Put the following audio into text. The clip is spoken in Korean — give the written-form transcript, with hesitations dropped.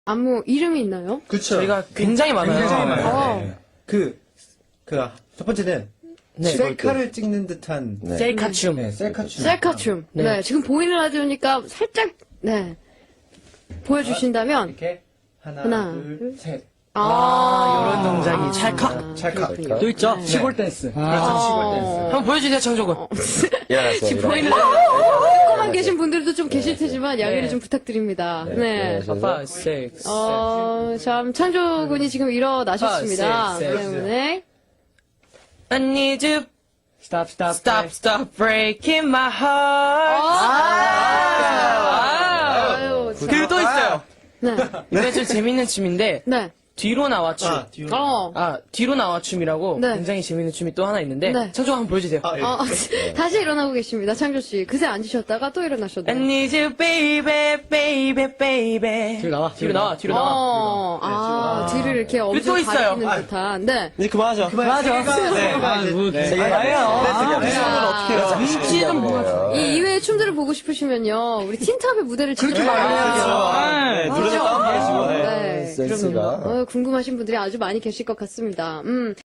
안무 이름이 있나요? 그쵸. 저희가 굉장히 많아요. 굉장히 많아요. 어. 네. 첫 번째는 네. 셀카를 찍는 듯한 셀카춤. 네, 셀카춤. 셀카춤. 네. 네. 지금 보이는 라디오니까 살짝, 네. 보여주신다면. 이렇게 하나, 하나, 둘, 셋. 이런 동작이 찰칵. 찰칵. 또 있죠? 네. 시골 댄스. 시골 댄스. 한번 보여주세요, 창조군. 지금 보이는 라디오. 듣고만 계신 분들도 좀 계실 테지만 양해를 네. 좀 부탁드립니다. 네. 5, 6, 7. 참, 창조군이 지금 일어나셨습니다. 네. 때문에. I need you. Stop breaking my heart. 아유, 참. 그리고 또 있어요. 네. 이게 좀 재밌는 춤인데, 네. 뒤로 나와 춤. 뒤로. 뒤로 나와 춤이라고 네. 굉장히 재밌는 춤이 또 하나 있는데, 네. 창조 한번 보여주세요. 예. 다시 일어나고 계십니다, 창조씨. 그새 앉으셨다가 또 I 일어나셨네요. need you, baby, baby, baby. 뒤로 나와. 뒤를 이렇게 또 엄청 있어요. 가리키는 듯한. 네. 이제 그만하죠. 눈치 좀 보여줘. 이 이외의 춤들을 보고 싶으시면요, 우리 틴탑의 무대를 직접 그렇죠. 알려야죠. 네, 노래 다운받으시고. 네. 센스가. 궁금하신 분들이 아주 많이 계실 것 같습니다.